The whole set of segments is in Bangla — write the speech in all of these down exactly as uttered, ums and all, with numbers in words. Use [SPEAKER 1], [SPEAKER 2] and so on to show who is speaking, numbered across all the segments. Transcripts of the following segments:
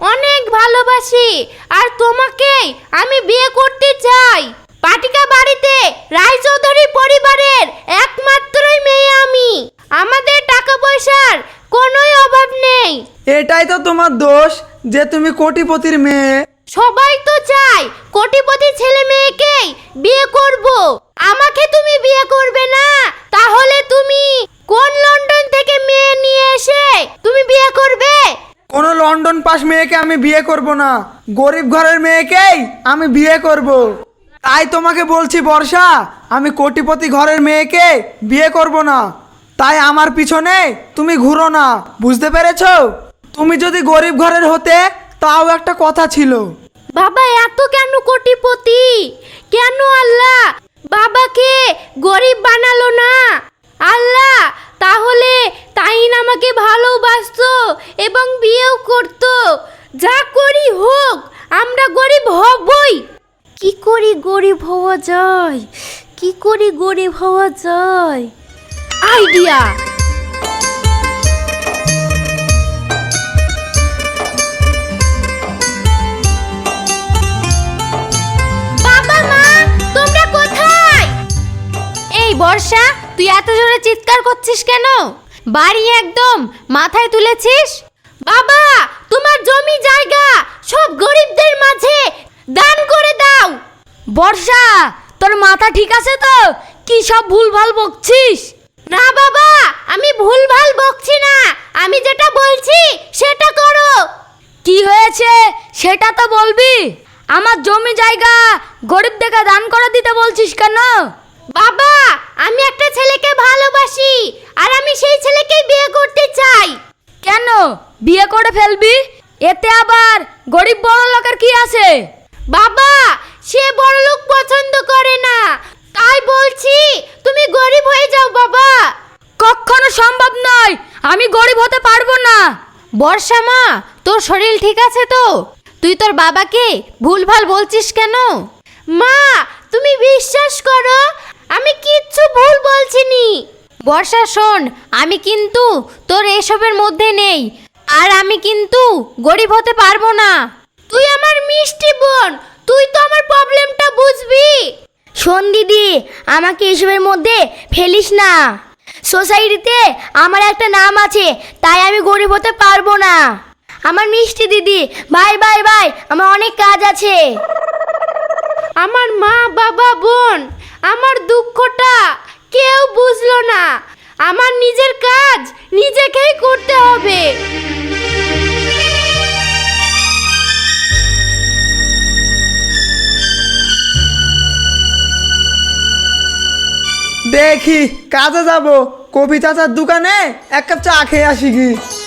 [SPEAKER 1] অনেক ভালোবাসি আর তোমাকেই আমি বিয়ে করতে চাই। পাটিকা বাড়িতে রায়চৌধুরী পরিবারের একমাত্রই মেয়ে আমি। আমাদের টাকা পয়সার কোনোই অভাব নেই।
[SPEAKER 2] এটাই তো তোমার দোষ যে তুমি কোটিপতির মেয়ে।
[SPEAKER 1] সবাই তো চায় কোটিপতি ছেলে মেয়েকেই বিয়ে করব। আমাকে তুমি বিয়ে করবে না, তাহলে তুমি কোন লন্ডন থেকে মেয়ে নিয়ে এসে তুমি বিয়ে করবে?
[SPEAKER 2] কোনো লন্ডন পাস মেয়েকে আমি বিয়ে করব না, গরিব ঘরের মেয়েকেই আমি বিয়ে করব। তাই তোমাকে বলছি বর্ষা, আমি কোটিপতি ঘরের মেয়েকে বিয়ে করব না। তাই আমার পিছনে তুমি ঘুরো না, বুঝতে পেরেছো? তুমি যদি গরিব ঘরের হতে তাও একটা কথা ছিল।
[SPEAKER 1] বাবা এত কেন কোটিপতি? কেন আল্লাহ বাবাকে গরিব বানালো না? আল্লাহ তাহলে তাইন আমাকে ভালোবাসতো এবং বিয়েও করতো। যা করি হোক, আমরা গরিব হবই। কি করি গরিব হওয়া যায়? কি করি গরিব হওয়া যায়? আইডিয়া! বর্ষা, তুই এত জোরে চিৎকার করছিস কেন? বাড়ি একদম মাথায় তুলেছিস? বাবা, তোমার জমি জায়গা সব গরিবদের মাঝে দান করে দাও।
[SPEAKER 3] বর্ষা, তোর মাথা ঠিক আছে তো? কি সব ভুলভাল বকছিস?
[SPEAKER 1] না বাবা, আমি ভুলভাল বকছি না, আমি যেটা বলছি সেটা করো।
[SPEAKER 3] কি হয়েছে সেটা তো বলবি। আমার জমি জায়গা গরিবদেরকে দান করে দিতে বলছিস কেন?
[SPEAKER 1] বাবা, আমি একটা ছেলেকে ভালোবাসি আর আমি সেই ছেলেকেই বিয়ে করতে চাই।
[SPEAKER 3] কেন বিয়ে করে ফেলবি? এতে আবার গরিব বড় লোকের কি আছে?
[SPEAKER 1] বাবা, সে বড় লোক পছন্দ করে না, তাই বলছি তুমি গরিব হয়ে যাও বাবা।
[SPEAKER 3] কখনো সম্ভব নয়, আমি গরিব হতে পারবো না।
[SPEAKER 1] বর্ষা মা, তোর শরীর ঠিক আছে তো? তুই তোর বাবাকে ভুলভাল বলছিস কেন? মা, তুমি বিশ্বাস করো, আমি কিচ্ছু ভুল বলছিনি। বর্ষা শোন, আমি কিন্তু তোর এসবের মধ্যে নেই আর আমি কিন্তু গরিব হতে পারবো না। তুই আমার মিষ্টি বোন, তুই তো আমার প্রবলেমটা বুঝবি।
[SPEAKER 3] শোন দিদি, আমাকে এসবের মধ্যে ফেলিস না। সোসাইটিতে আমার একটা নাম আছে, তাই আমি গরিব হতে পারবো না। আমার মিষ্টি দিদি, বাই বাই বাই, আমার অনেক কাজ আছে।
[SPEAKER 1] আমার মা বাবা বোন আমার দুঃখটা কেউ বুঝলো না। আমার নিজের কাজ নিজেকেই করতে হবে।
[SPEAKER 2] দেখি কাজে যাব, কবি চাচার দোকানে এক কাপ চা খেয়ে আসি কি।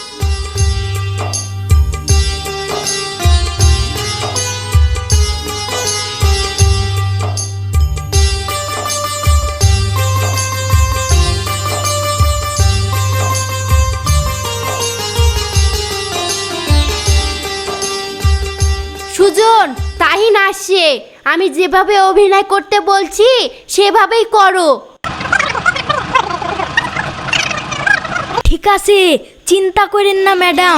[SPEAKER 1] সুজন, তাহিন আসছে, আমি যেভাবে অভিনয় করতে বলছি সেভাবেই করো।
[SPEAKER 3] ঠিক আছে, চিন্তা করেন না ম্যাডাম।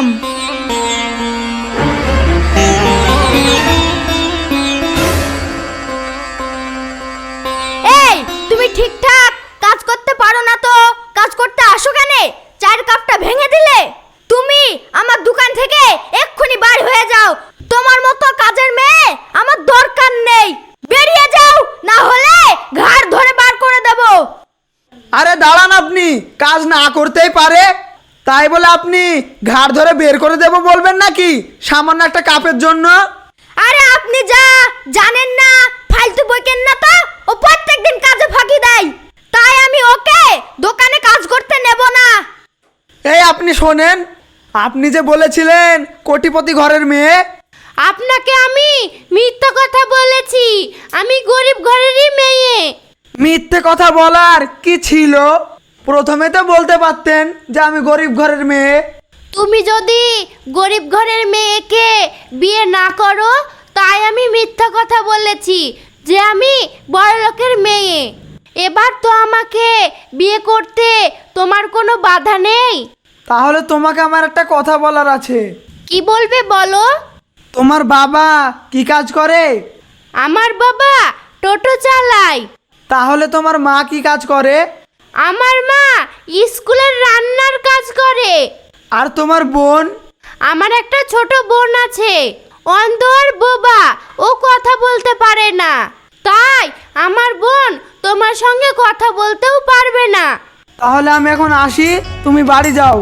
[SPEAKER 1] এই, তুমি ঠিকঠাক কাজ করতে পারো না তো কাজ করতে আসো কেন? চায়ের কাপটা ভেঙে দিলে। তুমি আমার দোকান থেকে এক্ষুনি বার হয়ে যাও। তোমার মতো কাজের মেয়ে আমার দরকার নেই। বেরিয়ে যাও, না হলে ঘাড় ধরে বার করে দেব।
[SPEAKER 2] আরে দাঁড়ান, আপনি কাজ না করতেই পারে, তাই বলে আপনি ঘাড় ধরে বের করে দেব বলবেন নাকি সামান্য একটা কাপের জন্য?
[SPEAKER 1] আরে আপনি যা জানেন না, ফালতু বকেন না তো। ও প্রত্যেকদিন কাজে ফাঁকি দেয়, তাই আমি ওকে দোকানে কাজ করতে নেব না।
[SPEAKER 2] এই আপনি শোনেন, আপনি যে বলেছিলেন কোটিপতি ঘরের মেয়ে,
[SPEAKER 1] আপনাকে আমি মিথ্যা কথা বলেছি। আমি গরিব ঘরেরই মেয়ে।
[SPEAKER 2] মিথ্যে কথা বলার কি ছিল? প্রথমে তো বলতে পারতেন যে আমি গরিব ঘরের মেয়ে।
[SPEAKER 1] তুমি যদি গরিব ঘরের মেয়েকে বিয়ে না করো, তাই আমি মিথ্যা কথা বলেছি যে আমি বড় লোকের মেয়ে। এবার তো আমাকে বিয়ে করতে তোমার কোনো বাধা নেই।
[SPEAKER 2] তাহলে তোমাকে আমার একটা কথা বলার আছে।
[SPEAKER 1] কি বলবে বলো?
[SPEAKER 2] তোমার বাবা কি কাজ করে?
[SPEAKER 1] আমার বাবা টোটো চালায়।
[SPEAKER 2] তাহলে তোমার মা কি কাজ করে?
[SPEAKER 1] আমার মা স্কুলের রান্নার কাজ করে।
[SPEAKER 2] আর তোমার বোন?
[SPEAKER 1] আমার একটা ছোট বোন আছে, অন্ধ আর বোবা, ও কথা বলতে পারে না। তাই আমার বোন তোমার সঙ্গে কথা বলতেও পারবে না।
[SPEAKER 2] তাহলে আমি এখন আসি, তুমি বাড়ি যাও।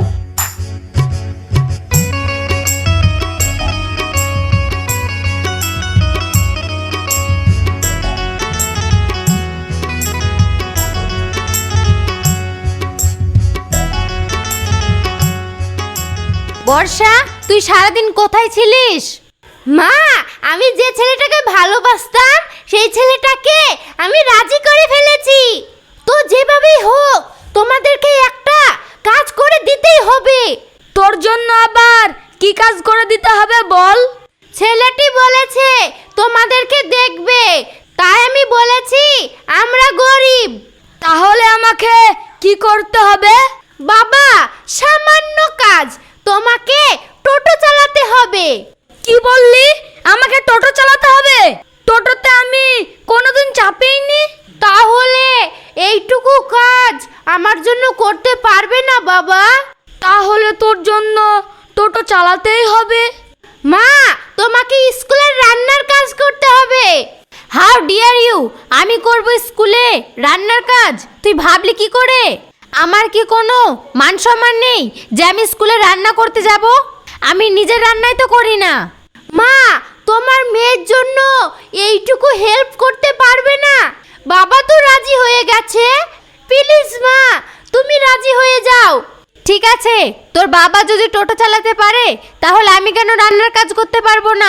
[SPEAKER 1] বর্ষা, তুই সারাদিন কোথায় ছিলিস? মা, আমি যে ছেলেটাকে ভালোবাসতাম সেই ছেলেটাকে আমি রাজি করে ফেলেছি। তো যেভাবেই হোক তোমাদেরকে একটা কাজ করে দিতেই হবে।
[SPEAKER 3] তোর জন্য আবার কি কাজ করে দিতে হবে বল?
[SPEAKER 1] ছেলেটি বলেছে তোমাদেরকে দেখবে, তাই আমি বলেছি আমরা গরিব।
[SPEAKER 3] তাহলে আমাকে কি করতে হবে?
[SPEAKER 1] বাবা, সামান্য কাজ, তোমাকে টোটো চালাতে হবে।
[SPEAKER 3] কি বললি? আমাকে টোটো চালাতে হবে? টোটোতে আমি কোনোদিন চাপিনি।
[SPEAKER 1] তাহলে এইটুকু কাজ আমার জন্য করতে পারবে না বাবা?
[SPEAKER 3] তাহলে তোর জন্য টোটো চালাতেই হবে।
[SPEAKER 1] মা, তোমাকে স্কুলের রান্নার কাজ করতে হবে। হাউ ডিয়ার ইউ, আমি করব স্কুলে রান্নার কাজ? তুই ভাবলি কি করে? আমার কি কোনো মান সম্মান নেই যে আমি স্কুলে রান্না করতে যাব? আমি নিজের রান্নাই তো করি না। মা, তোমার মেয়ের জন্য এইটুকু হেল্প করতে পারবে না? বাবা তো রাজি হয়ে গেছে, প্লিজ মা তুমি রাজি হয়ে যাও। ঠিক আছে, তোর বাবা যদি টোটো চালাতে পারে তাহলে আমি কেন রান্নার কাজ করতে পারবো না?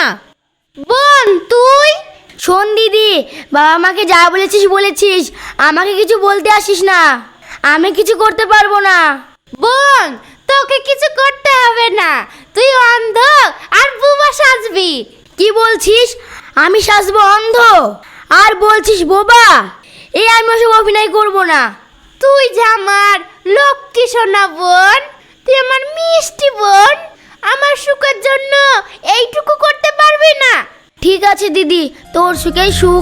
[SPEAKER 1] বোন তুই?
[SPEAKER 3] শোন দিদি, বাবা আমাকে যা বলেছিস বলেছিস, আমাকে কিছু বলতে আসিস না। আমি কিছু করতে পারবো না।
[SPEAKER 1] বোন, তোকে কিছু করতে হবে না, তুই অন্ধ আর বুবা সাজবি।
[SPEAKER 3] কি বলছিস? আমি সাজবো অন্ধ আর বলছিস বোবা? এই আমি ওসব অভিনয় করবো না।
[SPEAKER 1] তুই যে আমার লক্ষ্মী সোনা বোন, তুই আমার মিষ্টি বোন, আমার সুখের জন্য এইটুকু করতে পারবি না?
[SPEAKER 3] ঠিক আছে দিদি, তোর সুখেই সুখ।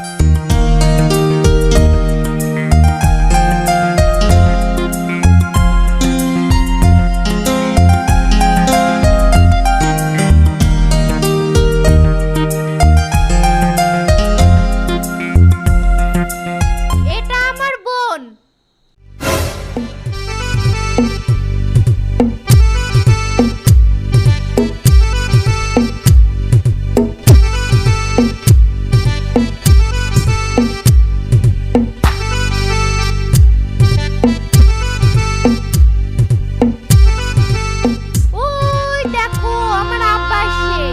[SPEAKER 1] এটা আমার বোন। ওই দেখো আমার আব্বা আসছে।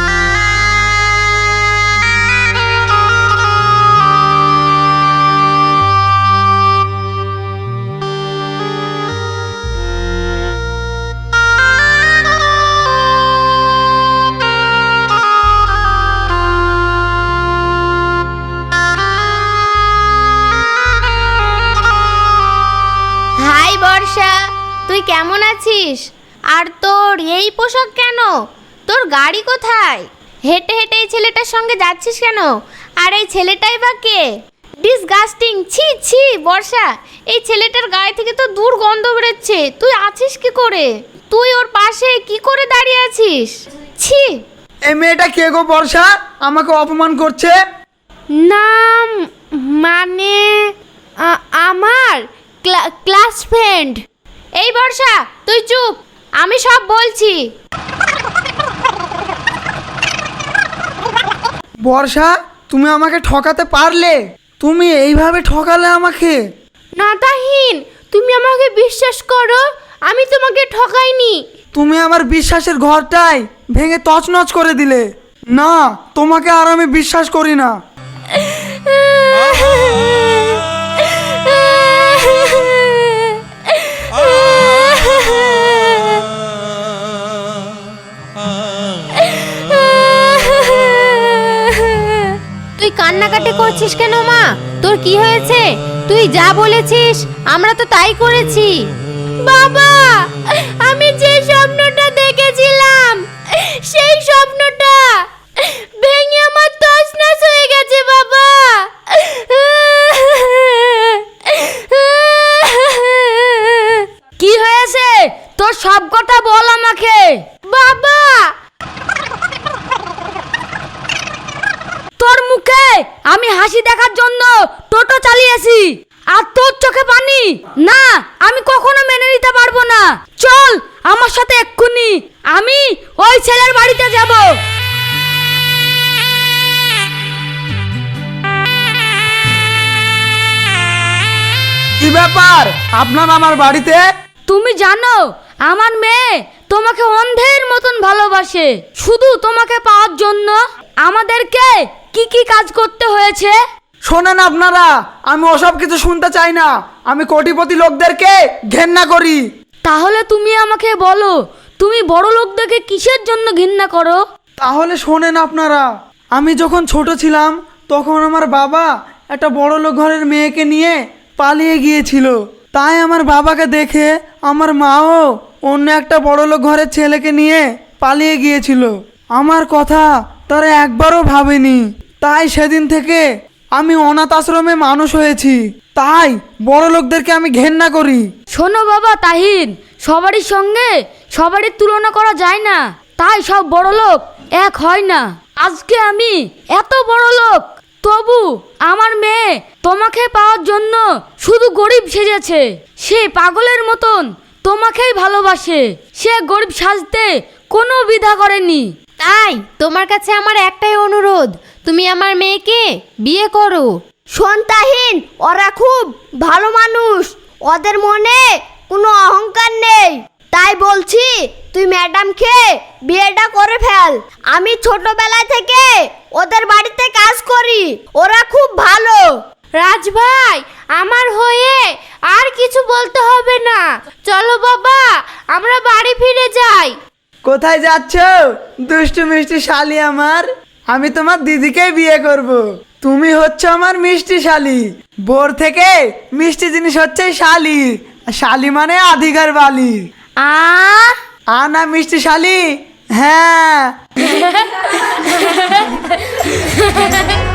[SPEAKER 1] হাই বর্ষা, তুই কেমন আছিস? আর তোর এই পোশাক কেন? তোর গাড়ি কোথায়? হেঁটে হেঁটে এই ছেলেটার সঙ্গে যাচ্ছিস কেন? আর এই ছেলেটাই বা কে? ডিসগাস্টিং! ছি ছি বর্ষা, এই ছেলেটার গায়ে থেকে তো দুর্গন্ধ বেরোচ্ছে। তুই আছিস কি করে? তুই ওর পাশে কি করে দাঁড়িয়ে আছিস? ছি!
[SPEAKER 2] এই মেয়েটা কে গো বর্ষা? আমাকে অপমান করছে।
[SPEAKER 1] নাম মানে আমার ক্লাস ফ্রেন্ড। এই বর্ষা, তুই চুপ, আমি সব বলছি।
[SPEAKER 2] বর্ষা, তুমি আমাকে ঠকাতে পারলে? তুমি এইভাবে ঠকালে আমাকে?
[SPEAKER 1] না তাহিন, তুমি আমাকে বিশ্বাস করো, আমি তোমাকে ঠকাইনি।
[SPEAKER 2] তুমি আমার বিশ্বাসের ঘরটাই ভেঙে তছনছ করে দিলে। না, তোমাকে আর আমি বিশ্বাস করি না।
[SPEAKER 1] তুই কান্নাকাটি করছিস কেন মা? তোর কি হয়েছে? তুই যা বলেছিস আমরা তো তাই করেছি। বাবা, আমি যে স্বপ্নটা দেখেছিলাম সেই স্বপ্নটা ভেঙে আমার তছনছ হয়ে গেছে বাবা।
[SPEAKER 3] কি হয়েছে তোর সব কথা বল আমাকে।
[SPEAKER 1] বাবা,
[SPEAKER 3] তোর মুখে আমি হাসি দেখার জন্য টোটো চালিয়েছি আর তোর চোখে পানি? না, আমি কখনো মেনে নিতে পারবো না। চল আমার সাথে এক্ষুনি, আমি ওই ছেলের বাড়িতে যাব।
[SPEAKER 2] কি ব্যাপার আপনার আমার বাড়িতে?
[SPEAKER 3] তুমি জানো আমার মেয়ে তোমাকে অন্ধের মতন ভালোবাসে। শুধু তোমাকে পাওয়ার জন্য আমাদেরকে কি কি কাজ করতে হয়েছে।
[SPEAKER 2] শোনেন আপনারা, আমি ওসব কিছু শুনতে চাই না। আমি কোটিপতি লোকদেরকে ঘেন্না করি।
[SPEAKER 3] তাহলে তুমি আমাকে বলো, তুমি বড় লোকদেরকে কিসের জন্য ঘৃণা করো?
[SPEAKER 2] তাহলে শোনেন আপনারা, আমি যখন ছোট ছিলাম তখন আমার বাবা একটা বড় লোক ঘরের মেয়েকে নিয়ে পালিয়ে গিয়েছিল। তাই আমার বাবাকে দেখে আমার মাও অন্য একটা বড় লোক ঘরের ছেলেকে নিয়ে পালিয়ে গিয়েছিল। আমার কথা তারা একবারও ভাবেনি। তাই সেদিন থেকে আমি অনাথ আশ্রমে মানুষ হয়েছি। তাই বড় লোকদেরকে আমি ঘেন্না করি।
[SPEAKER 3] শোনো বাবা তাহিন, সবারই সঙ্গে সবারই তুলনা করা যায় না, তাই সব বড় লোক এক হয় না। আজকে আমি এত বড় লোক, তবু আমার মেয়ে তোমাকে পাওয়ার জন্য শুধু গরিব সেজেছে। সে পাগলের মতন তোমাকেই ভালোবাসে। সে গরিব সাজতে কোনো দ্বিধা করেনি।
[SPEAKER 1] তাই তোমার কাছে আমার একটাই অনুরোধ, তুমি আমার মেয়েকে বিয়ে করো।
[SPEAKER 3] সন্তাহীন, ওরা খুব ভালো মানুষ, ওদের মনে কোনো অহংকার নেই। তাই বলছি তুই ম্যাডামকে বিয়েটা করে ফেল। আমি ছোটবেলা থেকে ওদের বাড়িতে কাজ করি, ওরা খুব ভালো।
[SPEAKER 1] রাজ ভাই, আমার হয়ে আর কিছু বলতে হবে না। চলো বাবা, আমরা বাড়ি ফিরে যাই।
[SPEAKER 2] কোথায় যাচ্ছ দুষ্টু মিষ্টি শালি আমার? আমি তোমার দিদিকেই বিয়ে করব। তুমি হচ্ছে আমার মিষ্টি শালি। বোর থেকে মিষ্টি জিনিস হচ্ছে শালি। আর শালি মানে আধিকার বালি।
[SPEAKER 3] আ
[SPEAKER 2] আ না মিষ্টি শালি? হ্যাঁ।